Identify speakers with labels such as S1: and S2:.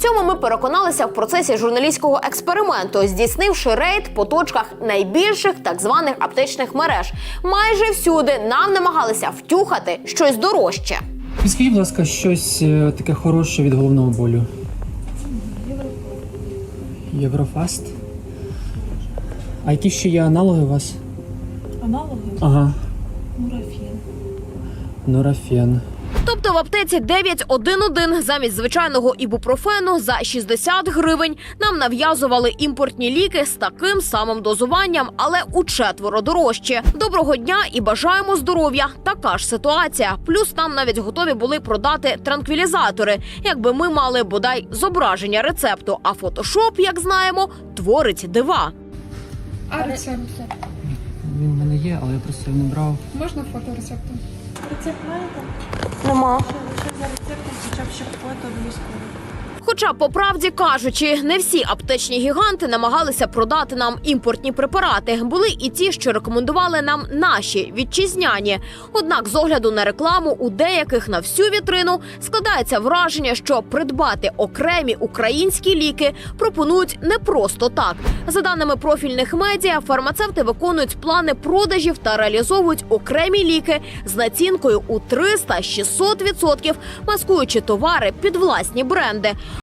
S1: В цьому ми переконалися в процесі журналістського експерименту, здійснивши рейд по точках найбільших так званих аптечних мереж. Майже всюди нам намагалися втюхати щось дорожче.
S2: Скажіть, будь ласка, щось таке хороше від головного болю. Єврофаст. А які ще є аналоги у вас?
S3: Аналоги?
S2: Ага.
S3: Нурофен.
S2: Нурофен.
S1: Тобто в аптеці 911 замість звичайного ібупрофену за 60 гривень нам нав'язували імпортні ліки з таким самим дозуванням, але учетверо дорожче. Доброго дня і бажаємо здоров'я. Така ж ситуація. Плюс нам навіть готові були продати транквілізатори, якби ми мали бодай зображення рецепту. А фотошоп, як знаємо, творить дива.
S4: А рецепт?
S2: Він в мене є, але я просто його не брав.
S4: Можна фото рецепту?
S3: Рецепт маєте?
S1: Нема.
S3: Лише за рецептом, хоча б ще фото обов'язково.
S1: Хоча, по правді кажучи, не всі аптечні гіганти намагалися продати нам імпортні препарати. Були і ті, що рекомендували нам наші, вітчизняні. Однак, з огляду на рекламу, у деяких на всю вітрину складається враження, що придбати окремі українські ліки пропонують не просто так. За даними профільних медіа, фармацевти виконують плани продажів та реалізовують окремі ліки з націнкою у 300-600%, маскуючи товари під власні бренди.